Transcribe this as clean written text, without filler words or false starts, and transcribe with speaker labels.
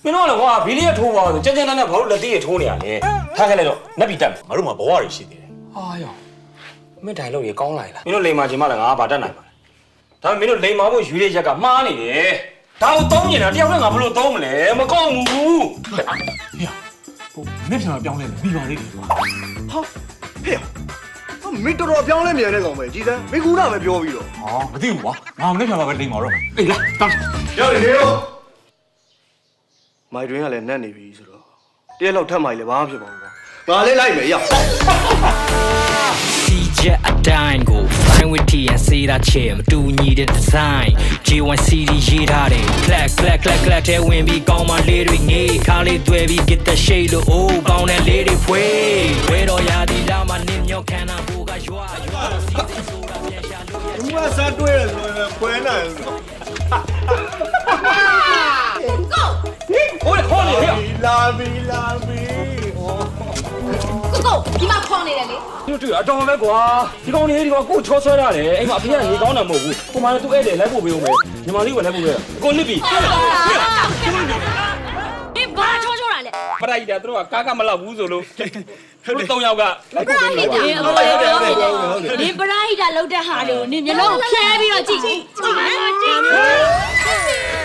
Speaker 1: မင်းတို့ကလည်းကွာဘီလီရထိုးပါဆိုကြမ်းကြမ်းနဲ့ဘာလို့လက်သေးရထိုးနေရလဲထားခဲ့လိုက်တော့နက်ပြီတက်မယ်
Speaker 2: ငါတို့မှာဘဝတွေရှိသေးတယ်
Speaker 1: ဟာရောမင်းတိုင်လို့ရကောင်းလိုက်လားမင်းတို့လိန်မာချင်မှလည်းငါဘာတက်နိုင်ပါလဲဒါပေမဲ့မင်းတို့လိန်မာဖို့ယူရရက်ကမှားနေတယ်ဒါကိုသုံးနေတာတယောက်နဲ့ငါဘယ်လိုသုံးမလဲမကောင်းဘူး
Speaker 2: ဟေးဟိုမင်းပြန်လာပြောင်းလဲပြီးပါလေကွာ
Speaker 3: ဟာဟေ့မင်းတော်တော်ပြောင်းလဲမြန်နေကောင်ပဲကြည်စမ်းမင်းကူတာပဲပြောပြီးတော့
Speaker 2: ဟာမသိဘူးကွာငါမနေ့ပြန်လာပဲလိမ့်ပါတော့အေးလာတောင်း
Speaker 3: ရောက်နေရောမိုက်တွင်ကလည်းနတ်နေပြီဆိုတော့တရက်လောက်ထပ်မှလည်းဘာမှဖြစ်ပါဘူးကွာငါလည်းလိုက်မယ်ရောက်
Speaker 4: CJ အတိုင်းကို fine with T and say that chair မတူညီတဲ့ design J1 CD ရေးထားတယ် clack clack clack clack တဲ့ဝင်ပြီးကောင်းမလေးတွေငေးခါလေးတွေ့ပြီး get the shade လို့ oh ကောင်းတဲ့လေးတွေဖွေးဝဲတော်ရာဒီလာမနင်းမြောက်ခန္ဓာကိုကရွာစီစဉ်ဆိုတာပြန်ရှာလို့ရ
Speaker 3: ဘူးကစားတွေ့ရဆိုရင်ခွဲနိုင်ဆို
Speaker 1: ဟိုလေခေါ်နေဟဲ့
Speaker 3: လာပြီ
Speaker 5: ကိုဒီမှာခေါင်းနေတယ်လေ
Speaker 1: တို့တွေ့အတော်ပဲကွာဒီကောင်လေးဒီကောင်ကိုချောဆွဲရတယ်အိမ်မှာအဖေကရေကောင်းတာမဟုတ်ဘူးကိုမလည်းသူ့ဧည့်တယ်လိုက်ဖို့ပေးဦးမယ်ညီမလေးကလည်းပို့ပေးကိုနစ်ပြီ
Speaker 5: ဒီဘာချောချောတာလဲ
Speaker 1: ပရိုက်တာတို့ကကားကမလောက်ဘူးဆိုလို့တို့၃ယောက်ကလိုက်ဖို့ပေးလို့ပါ
Speaker 5: ဒီပရာဟိတာလောက်တဲ့ဟာတွေကိုနင်မျက်လုံးဖြဲပြီးတော့ကြည့်